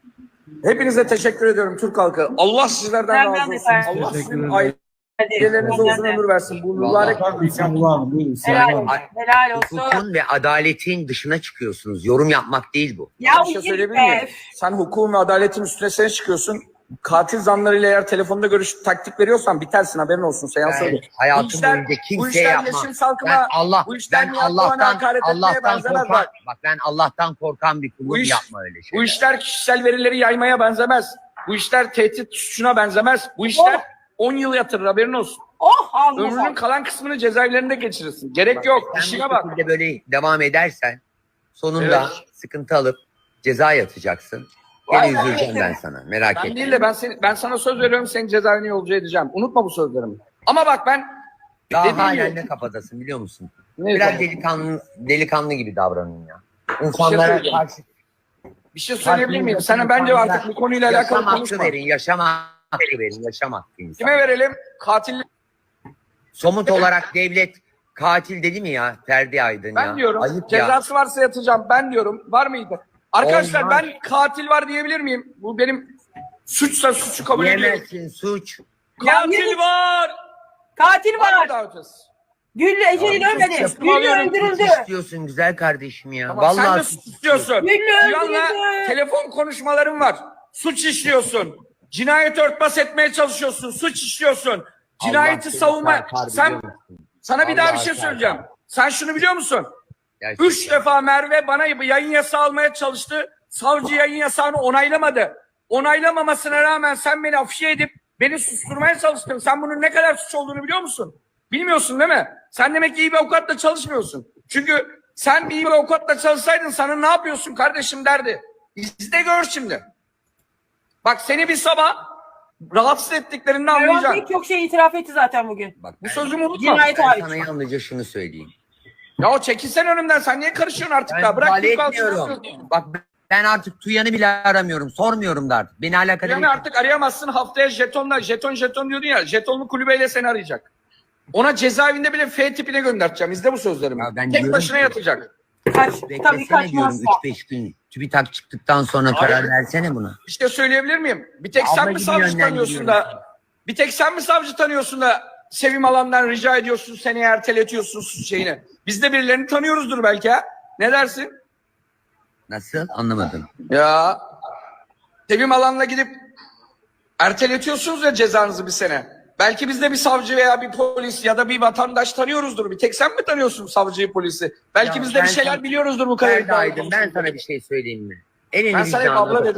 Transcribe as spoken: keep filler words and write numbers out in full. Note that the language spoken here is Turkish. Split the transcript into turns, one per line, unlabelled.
Hepinize teşekkür ediyorum Türk halkı. Allah sizlerden
Ben- ben
razı
de
olsun.
efendim.
Allah
Teşekkür
sizin
ederim.
ailelerinize uzun ömür versin. Bu mübarek
Estağfurullah abi, buyurun.
Helal
Selam.
olsun. Helal olsun.
Hukukun ve adaletin dışına çıkıyorsunuz. Yorum yapmak değil bu.
Ya
bir şey
bu
söyleyebilir
yine-
miyim? Sen hukukun ve adaletin üstüne sen çıkıyorsun. Katil zanlarıyla eğer telefonda görüş taktik veriyorsan bitersin, haberin olsun. Seans
Ben
söyle.
hayatım
Bu işler-
boyunca
bu
kimseye
işler
yapmam.
Yeşim Salkım'a,
Ben Allah,
bu işler
ben
Nihat Doğan'a
Allah'tan,
hakaret etmeye
Allah'tan
benzemez
korkan,
bak.
bak ben Allah'tan korkan bir kulum,
Bu iş-
yapma öyle şeyler.
Bu işler kişisel verileri yaymaya benzemez. Bu işler tehdit suçuna benzemez. Bu işler on yıl yatırır, haberin olsun.
Oh Allah.
Ömrünün kalan kısmını cezaevlerinde geçirirsin. Gerek yok.
Sen
İşine
bu
bak.
şekilde böyle devam edersen sonunda
Evet.
sıkıntı alıp ceza yatacaksın. Gene
Vay be.
üzüleceğim ben sana. Merak
Ben
etme.
değil de ben seni, ben sana söz veriyorum, seni cezaevine yolcu edeceğim. Unutma bu sözlerimi. Ama bak ben
Daha
dediğim
halen
gibi-
ne kafadasın biliyor musun?
Ne
Biraz
zaman?
delikanlı, delikanlı gibi davranın ya.
şey
İnsanlara
söyleyeceğim.
karşı
bir şey söyleyebilir miyim? Sana bence artık bu konuyla alakalı
yaşam hakkı
konuşma.
verin, yaşam hakkı verin, yaşam hakkı insan.
Kime verelim? Katil.
Somut olarak devlet katil dedi mi ya Ferdi Aydın ya?
Ben diyorum.
Ayıp ya.
Cezası varsa yatacağım. Ben diyorum. Var mıydı? Arkadaşlar
Olmaz.
ben katil var diyebilir miyim? Bu benim suçsa suçu kabul ediyorum.
Diyemezsin, suç.
Katil
Ya,
var.
Katil
Var mı
var.
daha ötesi?
Güllü Ece'nin
Abi,
ölmedi.
suç
Güllü
alıyorum,
öldürüldü.
İstiyorsun güzel kardeşim ya.
Tamam, sen de
Vallahi
suç istiyorsun.
Güllü
Cihan'la
öldürüldü.
telefon konuşmaların var. Suç işliyorsun. Cinayeti örtbas etmeye çalışıyorsun. Suç işliyorsun. Cinayeti
seni
savunma.
çarpar,
Sen
biliyor musun?
sana bir daha bir
Allah
şey
çarpar.
söyleyeceğim. Sen şunu biliyor musun?
Gerçekten.
Üç defa Merve bana yayın yasağı almaya çalıştı. Savcı yayın yasağını onaylamadı. Onaylamamasına rağmen sen beni afişe edip beni susturmaya çalıştın. Sen bunun ne kadar suç olduğunu biliyor musun? Bilmiyorsun değil mi? Sen demek ki iyi bir avukatla çalışmıyorsun. Çünkü sen bir iyi bir avukatla çalışsaydın sana ne yapıyorsun kardeşim derdi. İzle gör şimdi. Bak seni bir sabah rahatsız ettiklerini
Mervan
anlayacaksın.
Bey çok şey itiraf etti zaten bugün.
Bak,
Bu
ben-
sözümü unutma.
Cinayet
ben
hariç.
sana yalnızca şunu söyleyeyim.
Ya o çekilsen önümden, sen niye karışıyorsun artık
Ben
ya? Bırak
müdahale
Türk halkını
etmiyorum.
yapıyorsun.
Bak ben artık Tuyan'ı bile aramıyorum. Sormuyorum da artık. Beni alakadar
Yani
etmiyor.
artık arayamazsın, haftaya jetonla, jeton jeton diyordun ya, jetonlu kulübeyle seni arayacak. Ona cezaevinde bile F tipine göndereceğim. İzle bu sözlerimi.
Ya ben
Tek
diyorum
başına
ki-
yatacak.
Kaç, tabii
Beklesene
kaç
diyorum
masa.
üç beş gün. TÜBİTAK çıktıktan sonra karar
Abi-
versene buna.
Bir şey söyleyebilir miyim? Bir tek sen
Abla
mi
gibi
savcı tanıyorsun
yönlendiriyorum.
da, bir tek sen mi savcı tanıyorsun da Sevim Alan'dan rica ediyorsun, seni erteletiyorsun suç şeyini. Biz de birilerini tanıyoruzdur belki ha. Ne dersin?
Nasıl? Anlamadım.
Ya Sevim Alan'la gidip erteletiyorsunuz ya cezanızı bir sene. Belki biz de bir savcı veya bir polis ya da bir vatandaş tanıyoruzdur. Bir tek sen mi tanıyorsun savcıyı, polisi? Belki
Ya
biz de
ben
bir şeyler
sana-
biliyoruzdur bu
Ferdi
kadar.
Aydın, ben sana bir şey söyleyeyim mi? Elini
Ben sana hep
vicdanına
abla
bak.
dedim.